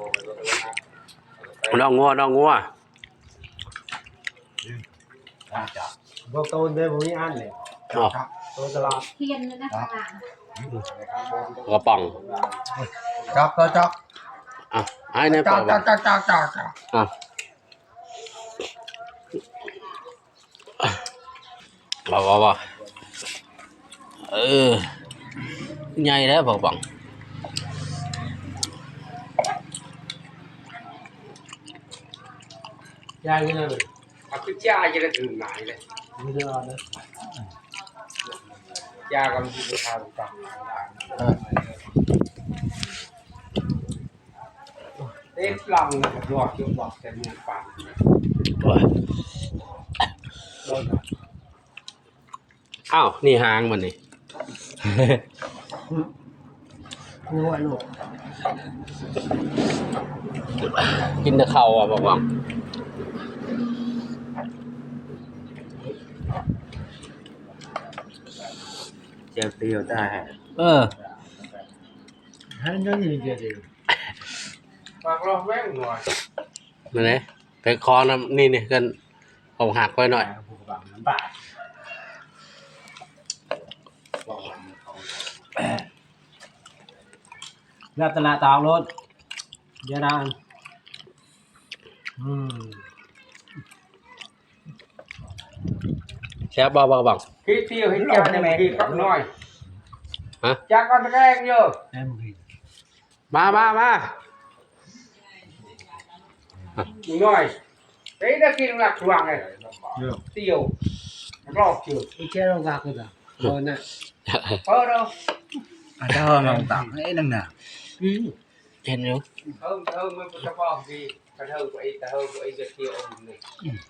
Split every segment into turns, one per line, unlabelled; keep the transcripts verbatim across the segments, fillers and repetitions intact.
น้องงัวน้องงัว
บอกตูนเดินผมนี่อันเลย
อ๋อ
ตูนตลอด
เทียนเลยนะข้างหลัง
กระป๋อง
จับจับจับ
อ่ะให้ในป
จั
อบ ก
จับจับจับจับจับ
อ่ะบอกบอกบอกเออใหญ่แล้วบอกบอก
ยายนี่เลย
à cứ cha cho nó thường lại này
ไม่ได้เอาเลย
cha còn gì được thằng cầm tết lòng này giọt chưa bọt xem nhạc bản
โอ้ยอ้าวนี่หางมันนี่
รู้ว่าลูก
กินแต่เข่าอ่ะบอกบอก
เจียวเตียวได้
เออ
ให้ยังยืนเดียวเดียว
mà lo vén ngoài
นั่นไงไปคอน้ำนี่นี่กันผมหักไว้หน่อย
ผูกบังน้ำปลาแล้วตลาดตาวรถเยอะนานอืม
แซ่บบอกบอกบอก
khi tiêu hết cha này khi cặp nồi
hả
cha con cái anh nhớ
แอมกิน
มามามา
nồi đấy đã kia lạc hoàng này
เยอะ
tiêu lọt chưa
ไอ้แค่เรากากเลยอ่ะโดนน่ะ
ở đâu
อาจจะลองตักให้นั่งหนา
อืม
เห็นอยู่
thơm thơm mới có cho con gì cái thơm của ấy cái thơm của ấy giật tiêu ông này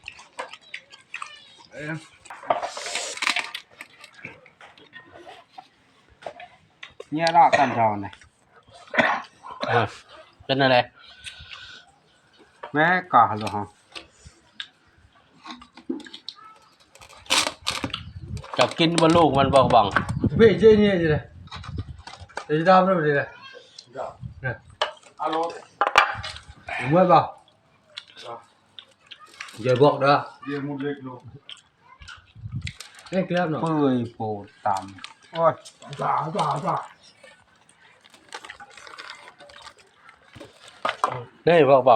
เนี่ยรอกันรอหน่อย
อ่ะเป็นอะไร
แม่ก่อหรอฮะ
จะกินบนลูกมันบอกบอก
bây giờ như thế này để đau nó đây này nè
เอาโล
đúng rồi bảo giờ bộ đó
เรียนมุดเล็กลง
cái clip nó
เปื่อยปูดต่ำโอ้ย
giả giả giả
นี่บอกบอก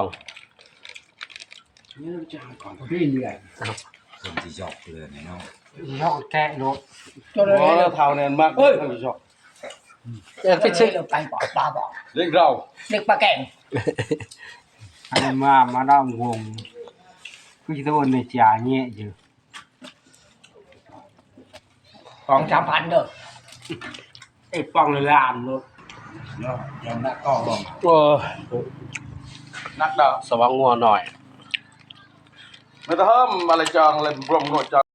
นี่จะก่อน
cái gì này
คนที่หยอกเลยเนาะ
ยอกแกะโล
cho
โอ้
nó
เท่านั้นมากเลยท่านผู้ชม
เออฟิชชิ่ง
tay bỏ ba bỏ
เล็กเรา
địch ba kèn
อันนี้มามาด้อมวงคือจะโดนในจ่าเงี้ยอยู่
còn trămพันđược
ไอ้ป้องเลยลามโล
เนาะยังนักก็ลอง
โอ้
นักดอก
สว่างงัวหน่อย
ไม่ต้องเพิ่มอะไรจองอะไรรวมหนวดจอง